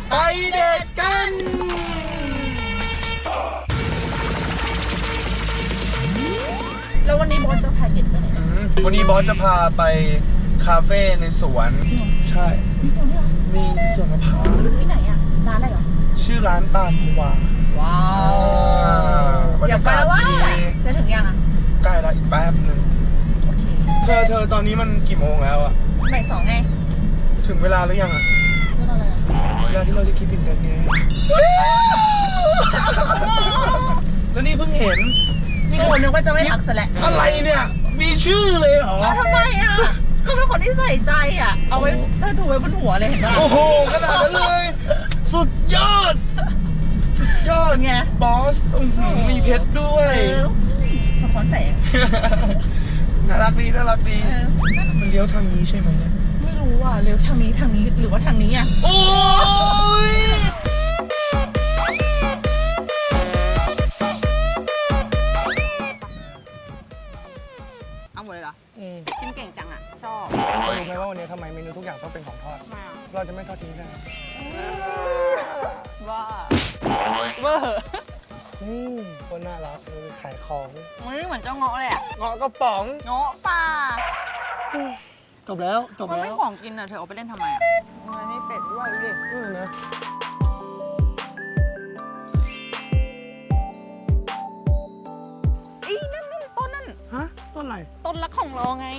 ไปเดทกันแล้ววันนี้บอสจะพาเด็กไปไหนวันนี้บอสจะพาไปคาเฟ่ในสวนใช่มีสวนด้วยเหรอมีสวนมะพร้าวที่ไหนอ่ะร้านอะไรเหรอชื่อร้านตาลพัวว้าวอยากไปแล้วว่าจะถึงยังอ่ะใกล้แล้วอีกแป๊บนึงเธอตอนนี้มันกี่โมงแล้วอะบ่าย2ไงถึงเวลาหรือยังอะเวลาอะไรอะเวลาที่เราจะคิดถึงกันไงแล้วนี่เพิ่งเห็นนี่คนนึกว่าจะไม่ทักซะแหละอะไรเนี่ยมีชื่อเลยเหรอทำไมอะก็เป็นคนที่ใส่ใจอะเอาไว้เธอถูไว้บนหัวเลยเห็นป่ะโอ้โหขนาดนั้นเลยสุดยอดไงบอสมีเพชรด้วยสะท้อนแสงน่ารักดีมันเลี้ยวทางนี้ใช่ไหมเนี่ยไม่รู้อ่ะเลี้ยวทางนี้หรือว่าทางนี้อ่ะโอ้ยเอาหมดเลยเหรอกินเก่งจังอ่ะชอบรู้ไหมว่าวันนี้ทำไมเมนูทุกอย่างต้องเป็นของทอดเราจะไม่ทอดทิ้งกันว่าเวอร์คนน่ารักขายของไม่เหมือนเจ้าเงาะเลยอ่ะเงาะกระป๋องเงาะป่าจบแล้วมันไม่ของกินอ่ะเธอเอาไปเล่นทำไมอ่ะทำไมไม่เป็ดด้วยดูดินะนั่นต้นนั่นฮะต้นอะไรต้นรักของเราไง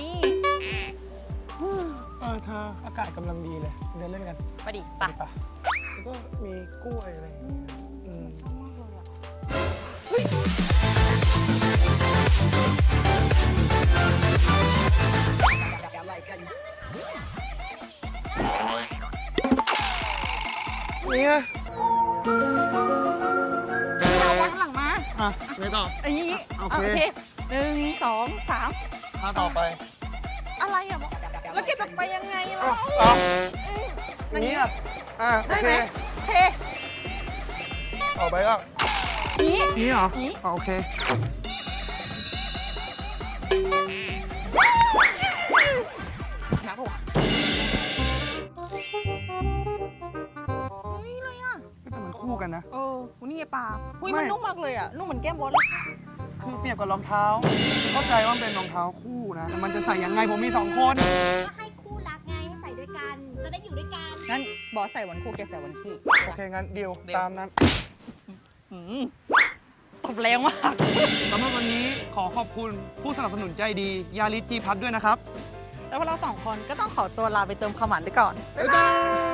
เธออากาศกำลังดีเลยเดินเล่นกันไปดิไปแล้วก็มีกล้วยอะไรอย่างเงี้ยชอบมากเลยอ่ะเนี่ยเอาวันหลังมาไงต่อนี้โอเค1 2 3 ต่อไปอะไรอ่ะแล้วแกจะไปยังไงล่ะนี่โอเคต่อไปก็นี่เหรอโอเคนะผมเลยอ่ะแต่มันคู่กันนะนี่ไงปลามันนุ่มมากเลยอ่ะนุ่มเหมือนแก้มบอสเลยคือเปรียบกับรองเท้าเข้าใจว่าเป็นรองเท้าคู่นะแต่มันจะใส่ยังไงผมมี2 คนก็ให้คู่รักไงให้ใส่ด้วยกันจะได้อยู่ด้วยกันงั้นบอสใส่วันคู่แกใส่วันขี้โอเคงั้นเดียวตามนั้นตบแรงมากสำหรับวันนี้ขอขอบคุณผู้สนับสนุนใจดียาริสจีพัทด้วยนะครับแล้วพวกเรา2 คนก็ต้องขอตัวลาไปเติมความหวานไปก่อนบ๊ายบาย